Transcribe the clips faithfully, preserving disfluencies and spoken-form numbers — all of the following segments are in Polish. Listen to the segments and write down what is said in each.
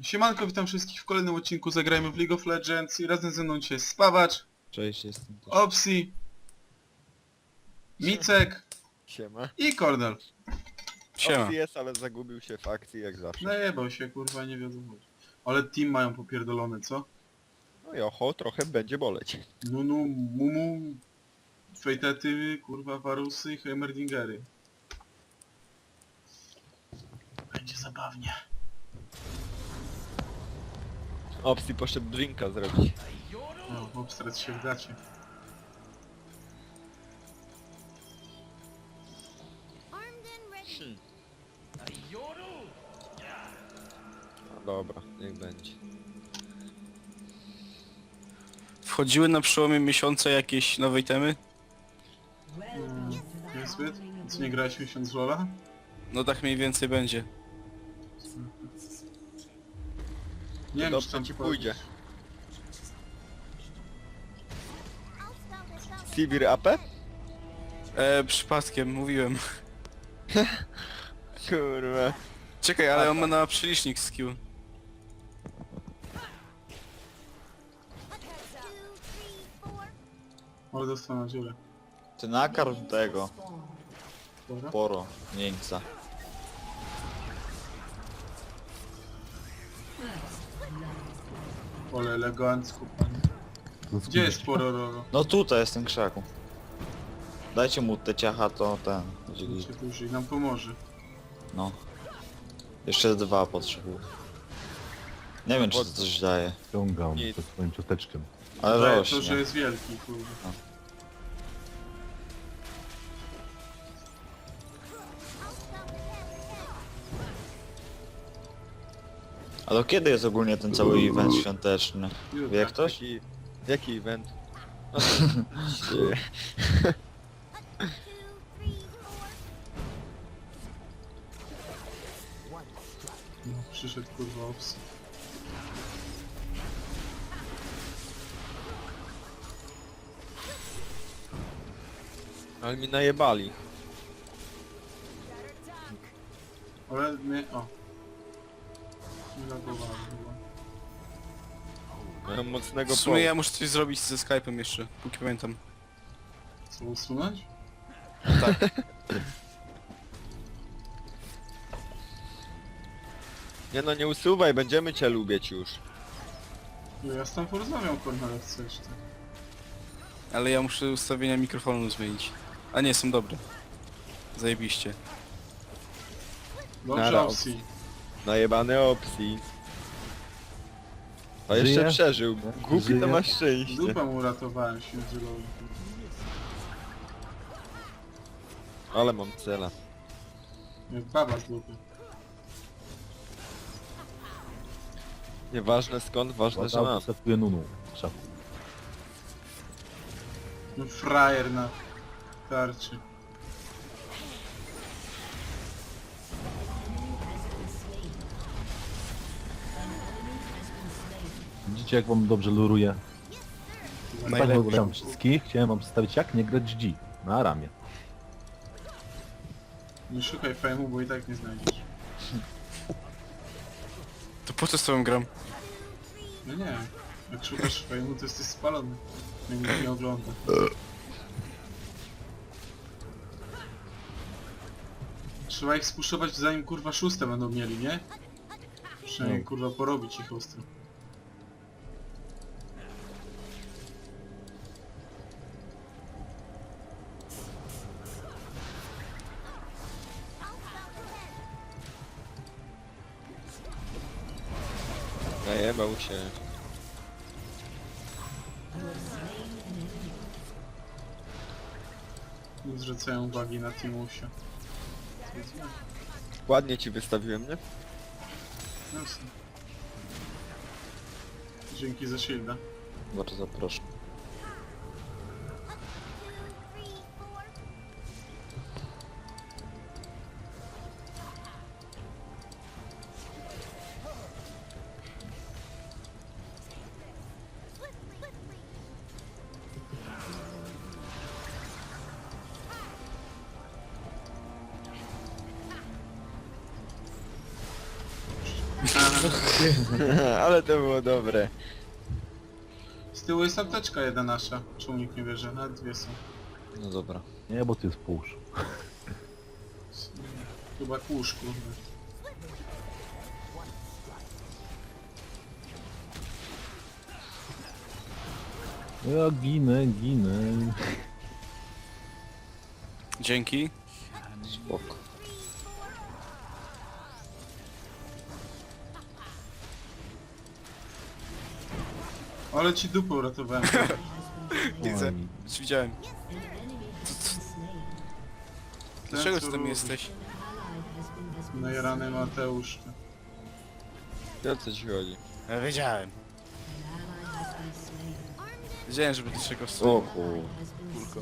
Siemanko, witam wszystkich w kolejnym odcinku Zagrajmy w League of Legends i razem ze mną dzisiaj jest Spawacz, Cześć, jestem też. Opsi, Micek Siema. i Kordel. Siema. Opcji jest, ale zagubił się w akcji jak zawsze. Najebał się, kurwa, nie wiadomo. Ale team mają popierdolone, co? No i oho, trochę będzie boleć. Nunu, Mumu, Fejtety, kurwa, Warusy i Heimerdingery. Będzie zabawnie. Opcji poszedł drinka zrobić. O, obstrać się w gacie. Hmm. No dobra, niech będzie. Wchodziły na przełomie miesiąca jakieś nowe itemy? Hmm, niezbyt? Co, nie grałeś miesiąc w Lola? No tak mniej więcej będzie. Nie wiem, Dobrze czy tam ci powiedzieć. pójdzie. Sivir A P? E, przypadkiem, mówiłem. Kurwa. Czekaj, ale on ma na przelicznik skill. Ale dostał na dziurę. Ty nakarm tego, Dobra. poro, jeńca. Ale elegancko, panie. Gdzie jest Porororo? No tutaj jest ten krzaku. Dajcie mu te ciacha, to ten. będzie git. Się dłużej nam pomoże. No. Jeszcze dwa potrzebuję. Nie wiem czy to coś daje, Ściągam Nic. ze swoim ciasteczkiem. ale Daje to, rośnie. że jest wielki, kurwa. A do kiedy jest ogólnie ten cały event świąteczny? Wie jak ktoś? Jaki, jaki event? No, to- No, przyszedł kurwa obs. Ale mi najebali. Ale mnie... o. Nie lagowałem chyba. Mają mocnego W sumie poła. ja muszę coś zrobić ze Skype'em jeszcze, póki pamiętam. Co, usunąć? Nie no, nie usuwaj, będziemy cię lubić już. No ja z tam porozmawiam, kurwa, jak chcesz, ty. Ale ja muszę ustawienia mikrofonu zmienić. A nie, są dobre. Zajebiście. Dobrze, Nara, opcji. Najebane opcji. A jeszcze Żyje? przeżył. Głupi Żyje? to ma szczęście. Dupę mu uratowałem się zielony. Ale mam cela. Jak baba z dupy. Nieważne skąd, ważne, że mam. Ładał setuje Nunu w krzaku. No frajer na tarczy. Widzicie jak wam dobrze luruje? Najlepiej. Witam wszystkich, chciałem wam przedstawić jak nie grać G na ramię. Nie szukaj fejmu, bo i tak nie znajdziesz. To po co z tobą gram? No nie. Jak szukasz fejmu, to jesteś spalony. Jak nikt nie ogląda. Trzeba ich spuszować zanim kurwa szóste będą mieli, nie? Przynajmniej No. kurwa porobić ich ostro. Najebał się. Nie zwracają uwagi na Timusia. Ładnie ci wystawiłem, nie? Jasne. Dzięki za shielda. Bardzo proszę. Aha. Ale to było dobre. Z tyłu jest apteczka jedna nasza. Czemu nikt nie bierze? Nawet dwie są. No dobra. Nie, bo tu jest push. Chyba kłusz, kurde. Ja ginę, ginę. Dzięki. Spoko. Ale ci dupę uratowałem. Widzę. Oj. Już widziałem. Dlaczego ty tam co jesteś? Najarany Mateusz. O co ci chodzi? Ja wiedziałem. Wiedziałem, żeby do czego O stoi. kur... Kurko.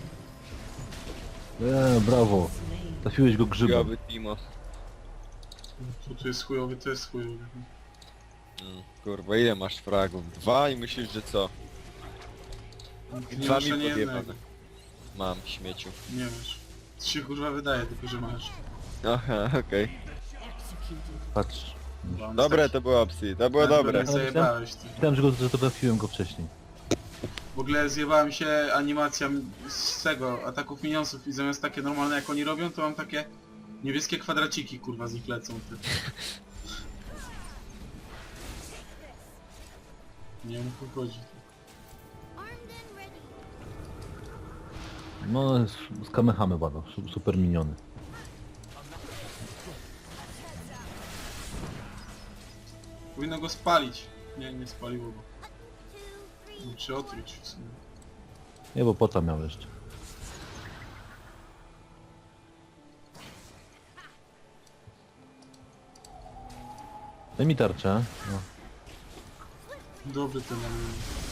E, brawo. Trafiłeś go grzybem. Joby Timo. Tu, tu jest chujowy, to jest chujowy. Mm, kurwa, ile masz fragów? Dwa i myślisz, że co? Nie Dwa masz mi ani jednego. podjebane. Mam, śmieciu. Nie masz. To się kurwa wydaje, tylko że masz. Aha, okej. Patrz. Bo on Dobre tak- to było opcji, to było tak dobre. mnie Zajebałeś ty. Myślałem, że, go, że to trafiłem go wcześniej. W ogóle zjebałem się animacja z tego, ataków minionsów i zamiast takie normalne jak oni robią, to mam takie niebieskie kwadraciki kurwa z nich lecą ty. Nie wiem o co chodzi. No, z, z Kamehame bada. su- Super miniony. Powinno go spalić. Nie, nie spaliło go. Czy otruć w sumie. Nie, bo pota miał jeszcze. Daj mi tarczę. No. Dobry ten anime.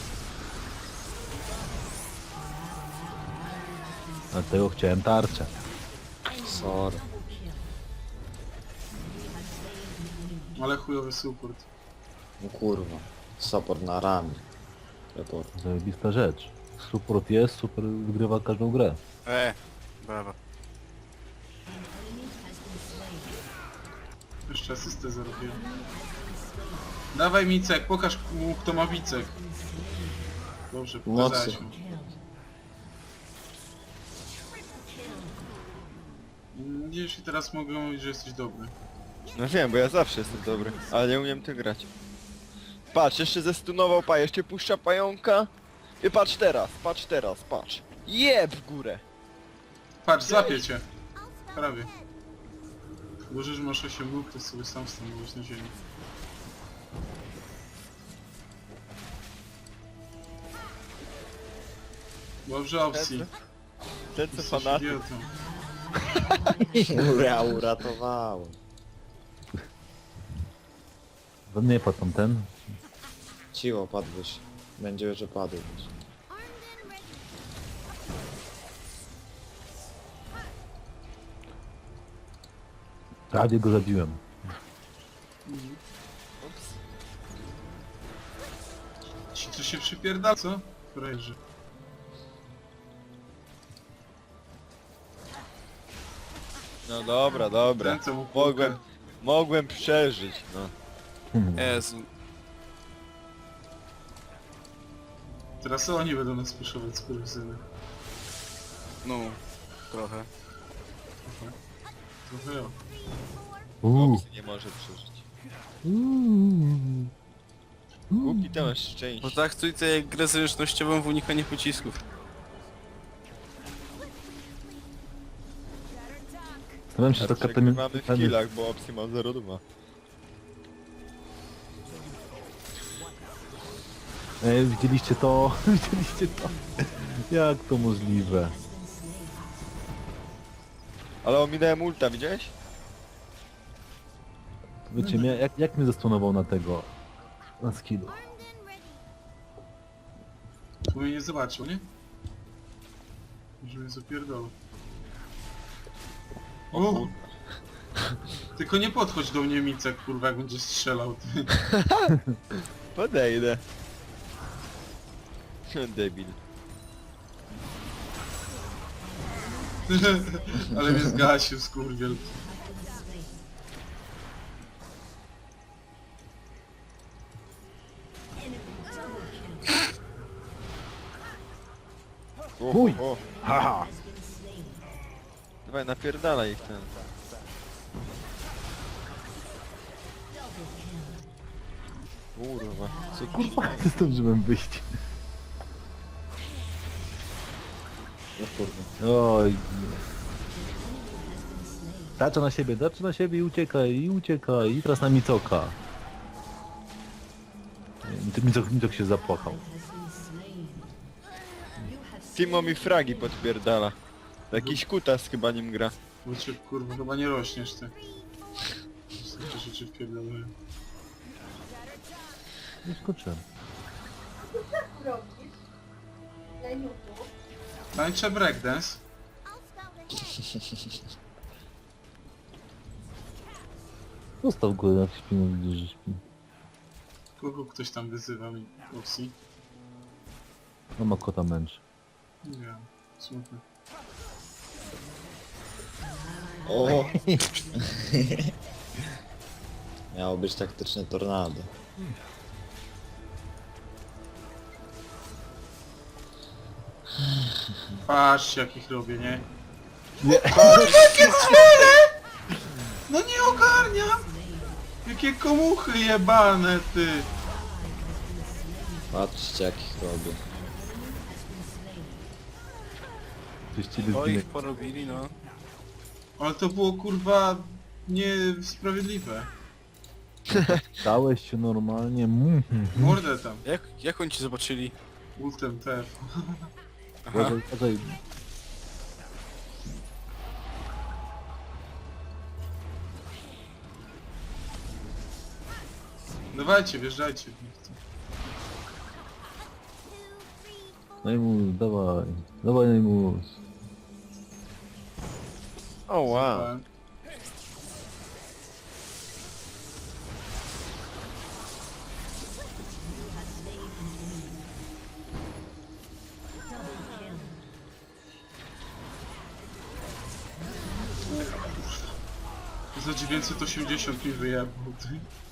Dlatego chciałem tarczę. Sorry. Ale chujowy support. No kurwa. Support na ramię. Report. Zajebista rzecz. Support jest, super wygrywa każdą grę. E, brawa. Jeszcze asystę zarobiłem. Dawaj Micek, pokaż mu kto ma Micek. Dobrze, pokazałeś Mocy. mu. Widzisz i teraz mogę mówić, że jesteś dobry. No wiem, bo ja zawsze jestem dobry, ale nie umiem tym grać. Patrz, jeszcze zestunował pa, jeszcze puszcza pająka. I patrz teraz, patrz teraz, patrz. Jeb w górę. Patrz, złapię cię. Prawie. Boże, że masz osiem nóg, to sobie sam stanąłeś na ziemi. Dobrze opcji. Ten co Jesteś fanatyk. idiotą. Ja uratowałem. To nie padł tam ten. Ciło padłeś. Będzie, że padłeś. Prawie go zabiłem. Ci tu się przypierdala, co? Frajerzy. No dobra, dobra. Ten, co mu kulkę- Mogłem, mogłem przeżyć, no. Hmm. Jezu. Teraz oni będą nas puszować z kurwysyny. No, trochę. Trochę jo. Uuu. Opcji nie może przeżyć. Uuu. Głupi to masz Bo szczęście. tak trójce jak grę zręcznościową w unikanie pocisków. Zastanawiam się, A czy to karta mamy w killach, bo opcji ma zero dwa. Ej, widzieliście to? Widzieliście to? Jak to możliwe? Ale ominąłem ulta, widziałeś? Wiecie, mnie, jak, jak mnie zastunował na tego? Na skillu. Bo mnie nie zobaczył, nie? Może mnie zapierdolą. O O! kurwa. Tylko nie podchodź do mnie Micek, kurwa, jak będziesz strzelał. Ty. Podejdę. Debil. Ale mnie zgasił, skurwiel. O, Mój! o. Haha! Dawaj, napierdalaj ich ten. Kurwa, co Kurwa, zdążyłem wyjść. No kurwa. Oj. Tarcza na siebie, tarcza na siebie i uciekaj, i uciekaj, i teraz na Micoka. Nie, Micok, Micok się zapłakał. Timo mi fragi podpierdala. Jakiś kutas chyba nim gra. Bo cię kurwa chyba nie rośniesz ty. Takie rzeczy wpierdolę. Nie skoczyłem. robisz? Leniutu. Tańczę breakdance. Zostaw go jak śpi, no widzisz, że śpi. Kogo ktoś tam wyzywa mi? Upsi. No ma kota męczy. Nie wiem. Smutne. O! Miało być taktyczne tornado. Patrzcie jakich robię, nie? Nie. Jakie cwele! No nie ogarniam! Jakie komuchy jebane ty! Patrzcie jakich robię. Coś ciebie O, zginie. ich porobili, no. Ale to było kurwa niesprawiedliwe. Dałeś się normalnie. Mm, mm, Mordę tam. Jak, jak oni ci zobaczyli? Ultem T F. Aha. Uważaj, uważaj. Dawajcie, wjeżdżajcie. Najmus, dawaj. Dawaj Najmus. O wow. Za dziewięćset osiemdziesiąt mi wyjebał ty.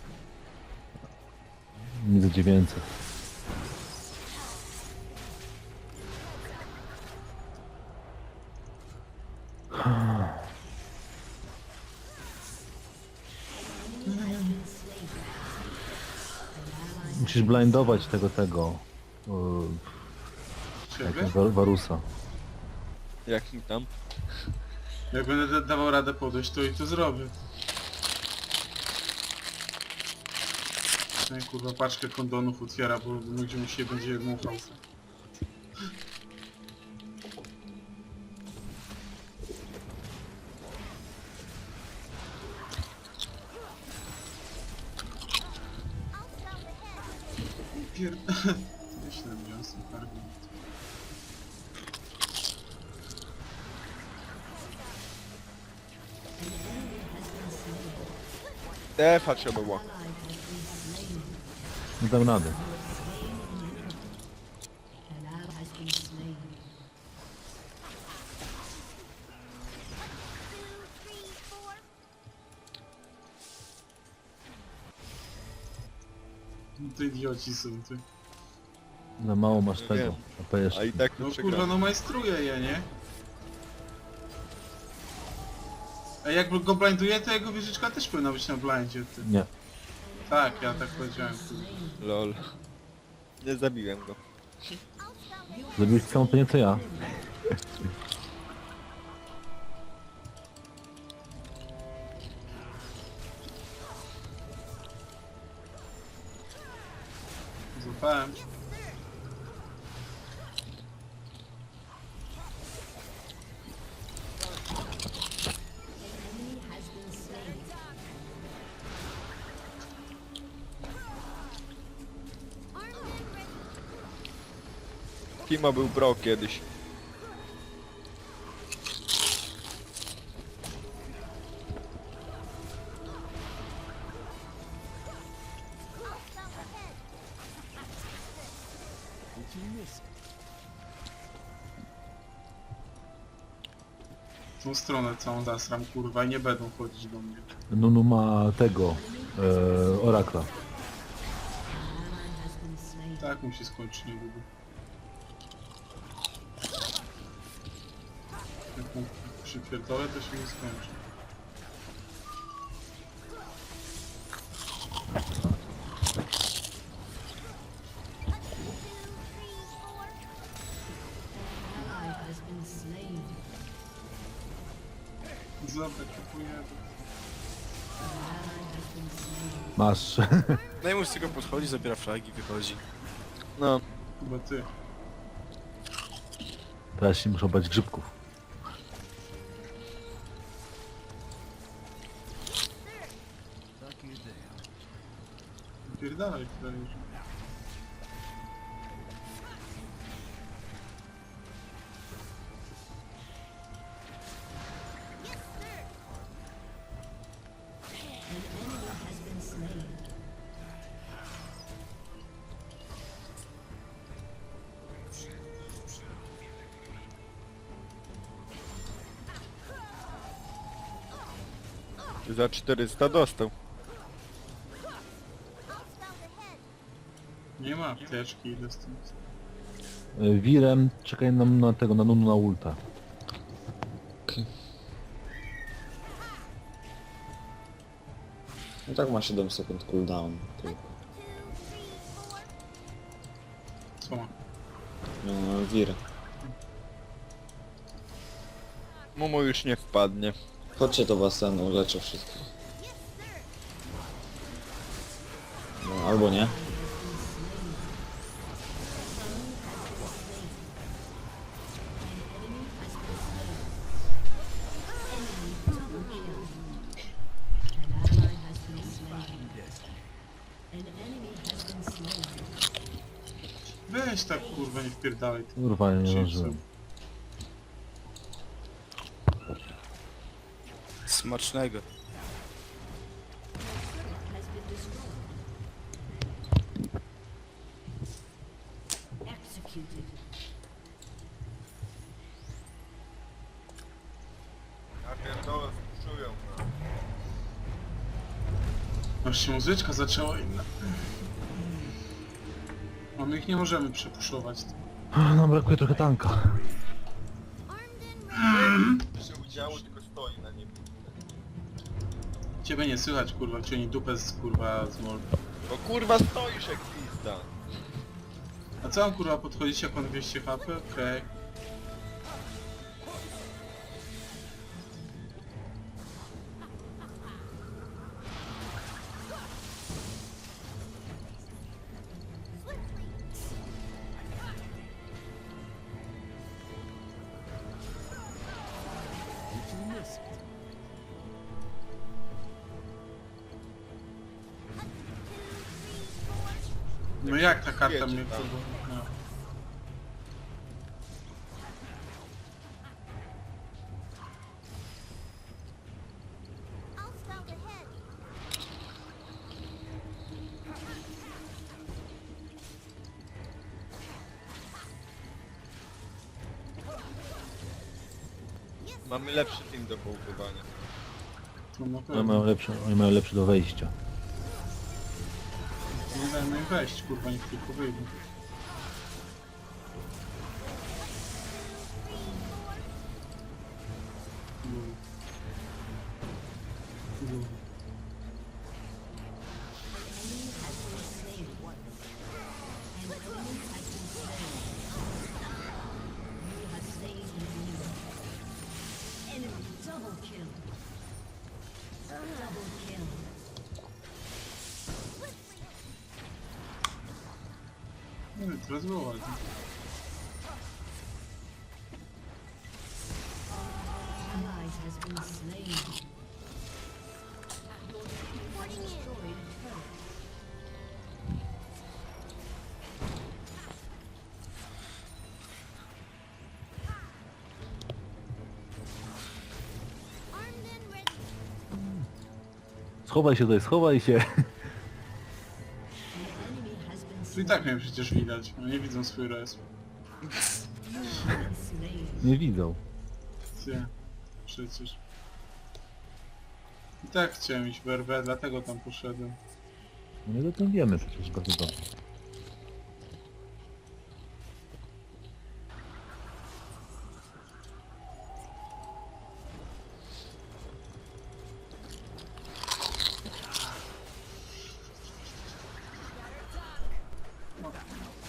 Nie za dziewięćset. Musisz blindować tego, tego. o, Jak Ciebie? War- Warusa. Jak mi tam? Jak będę da- dawał radę podejść, to i to zrobię. No i kurwa paczkę kondonów otwiera, bo ludzie mu się będzie muchał. Pier... Myślę, że są argument. Defa trzeba było. Nie dam rady. No to idioci są ty. Za mało masz Nie tego. wiem. A to jeszcze. A i tak No to kurwa, przegramy. no majstruję je, nie? A jak go blinduje, to jego wieżyczka też powinna być na blindzie, ty. Nie. Tak, ja tak powiedziałem, kurwa. Lol. Nie zabiłem go. Zrobiłeś całą to nie co ja. Złapałem. Timo był pro kiedyś. Tą stronę całą zasram, kurwa, i nie będą chodzić do mnie. Nunu ma tego. E, Orakla. Tak musi skończyć niedługo. Jak mu przypierdolę, to się nie skończy. Zobacz, kupuję. Masz. No i mus tylko podchodzi, zabiera flagi, wychodzi. No. Chyba ty. Teraz się muszą bać grzybków. Pierdalaj, tutaj już. Za czterysta dostał. Nie ma apteczki, ile z tym. Y, Wirem, czekaj nam na tego, na Nunu na ulta. No tak ma siedem sekund cooldown tylko. Co ma? No, wir. Momo już nie wpadnie. Chodźcie to was ten uleczę wszystkich. No, albo nie. Weź tak kurwa, nie wpierdalaj. ty. Kurwa, ja nie Chipsy. zdążyłem. Smacznego. Ja pierdolę, spuszczują. Aż się muzyczka zaczęła inna. A my ich nie możemy przepuszować. Nam brakuje trochę tanka. się udziało, tylko stoi na nim. Ciebie nie słychać kurwa, ciągnij dupę z kurwa z mol. No kurwa stoisz jak pizda. A co mam kurwa podchodzić jak on dwieście H P? Okej. No jak ta karta Wiecie, mnie tam. kurwa... No. Mamy lepszy team do połkowania. To na Oni pewno. mają lepsze, oni mają lepsze do wejścia. Nie dajmy im wejść kurwa, niech tylko wyjdą. Lul. Lul. Nie wiem, teraz było ładnie. Schowaj się tutaj, schowaj się. To i tak mnie przecież widać, no nie widzą swój res. Nie widzą. Ty, przecież. I tak chciałem iść w R W, dlatego tam poszedłem. No my o tym wiemy przecież bardzo dobrze.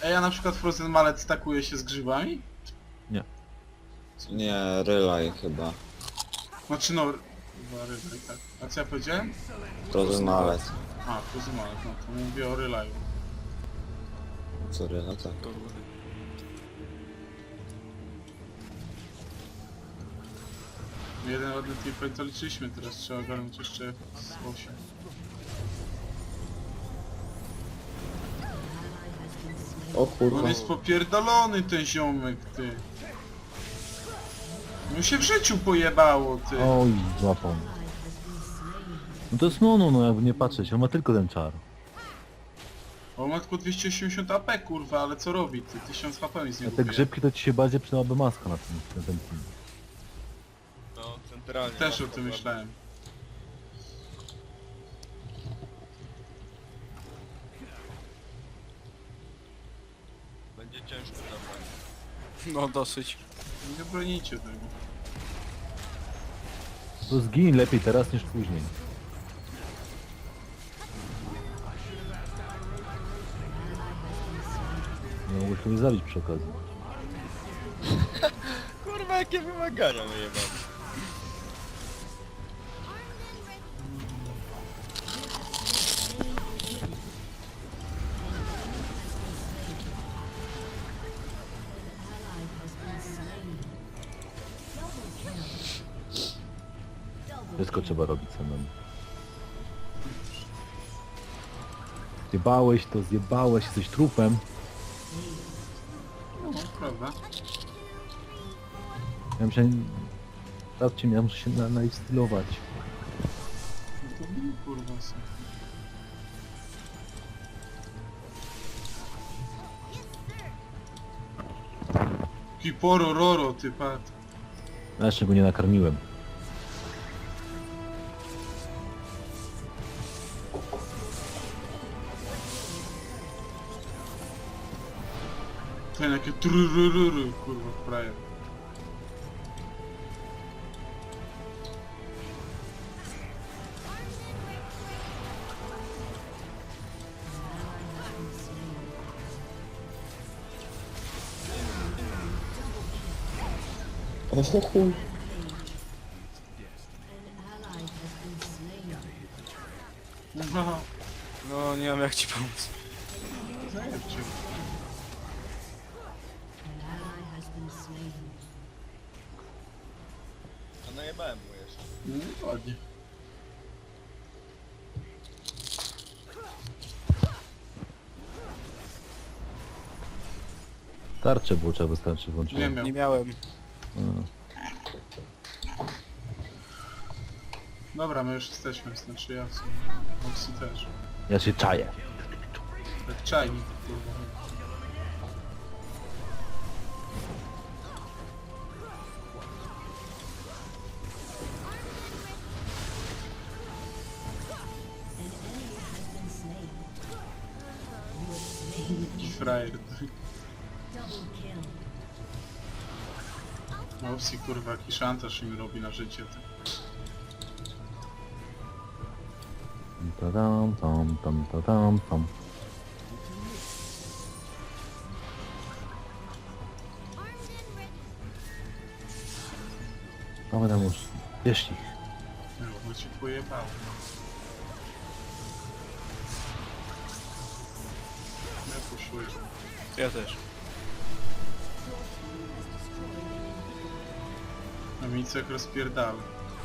Ej, ja na przykład Frozen Mallet stakuje się z grzybami? Nie, Relay chyba. Znaczy no... Chyba rybaj, tak. A co ja powiedziałem? Frozen Mallet. A, Frozen Mallet, no to mówię o Relaju. Co Relay, tak. Jeden ładny teamfight to liczyliśmy, teraz trzeba ogarnąć jeszcze z osiem. O kurwa. On jest popierdolony ten ziomek, ty. No się w życiu pojebało, ty. Oj, złapał. No to jest Nunu, no jakby nie patrzeć, on ma tylko ten czar. On ma tylko dwieście osiemdziesiąt A P, kurwa, ale co robi, ty? tysiąc H P mi z A niego te bije. grzybki to ci się bardziej przydałaby maska na tym, na tym team. No, centralnie. Też o masz tym problem. myślałem. Będzie ciężko zabrać. No dosyć. Nie bronicie tego. To zgiń lepiej teraz niż później. Nie mogłeś mnie zabić przy okazji. Kurwa, jakie wymagania my mamy. Wszystko trzeba robić samemu. Zjebałeś to, zjebałeś, jesteś trupem. No, prawda? Ja muszę... Sprawdźcie mnie, ja muszę się na, nainstylować. No to bij, kurwa, są. Kiporo roro, ty pat. Ja jeszcze go nie nakarmiłem. Ten jakie trurururu, kurwa, frajer. O chuj. No, No nie mam jak ci pomóc. zajebcie. A najebałem mu jeszcze. No, ładnie. Tarcze było trzeba wystarczy włączyć. Nie miał. Nie miałem. Dobra, my już jesteśmy, znaczy ja w sumie. Moxie też. Ja się czaję. Jak czajnik, kurwa. Jaki frajer. Moxie, kurwa, jaki szantaż im robi na życie. Ty. Tam, tam, tam, tam, tam, tam. Mamy tam już. Bierz ich. No, bo ci pojebało. Ja poszuję. Ja też. A Micek rozpierdala.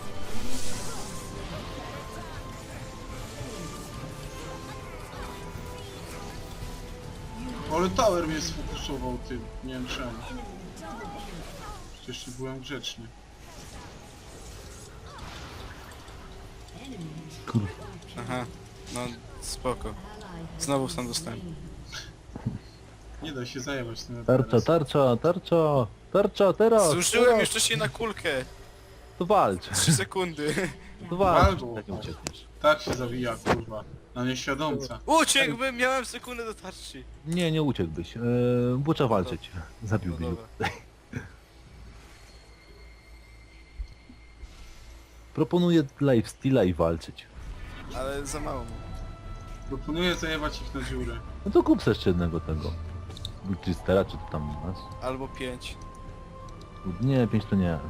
Ale tower mnie sfokusował, ty. Nie wiem czemu. Przecież byłem grzeczny. Kurwa. Aha. No spoko. Znowu sam dostałem. Nie da się zajebać tym Tarcza, tarcza, tarcza, tarcza, teraz! Zużyłem teraz. jeszcze się na kulkę. To walcz, trzy sekundy. to walcz, Albo. tak nie uciekniesz. Tak się zawija, kurwa. Na nieświadomca. Uciekłbym, miałem sekundę do tarczy. Nie, nie uciekłbyś. Eee, bo trzeba walczyć. No Zabiłbyś. dobra. Proponuję lifesteala i walczyć. Ale za mało. Proponuję zajebać ich na dziurę. No to kup sobie jeszcze jednego tego. Chistera, czy to tam masz? Albo pięć. Nie, pięć to nie.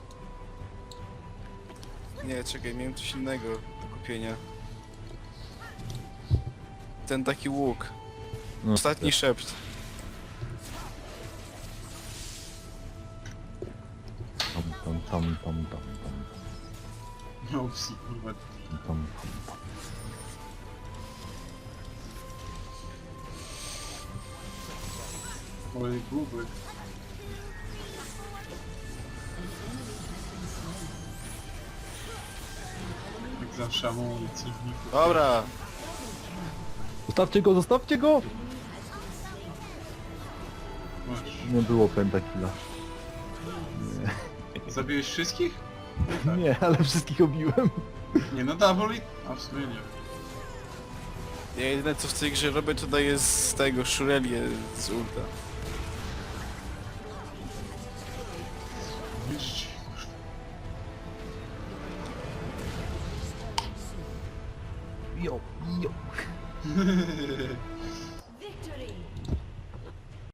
Nie, czekaj, miałem coś innego do kupienia. Ten taki łuk. No, Ostatni szept. Tam, tam, tam, tam, tam, tam, No psi, kurwa. tam, tam, tam. Oj, bubek. Jak zawsze amunicji w niku. Dobra. Zostawcie go, zostawcie go! Masz. Nie było pentakilla. Zabiłeś wszystkich? Nie, ale wszystkich obiłem. Nie, no double i... A w sumie nie. Ja jedyne co w tej grze robię to daję z tego szurelię z ulta. Wiesz, Jo, jo.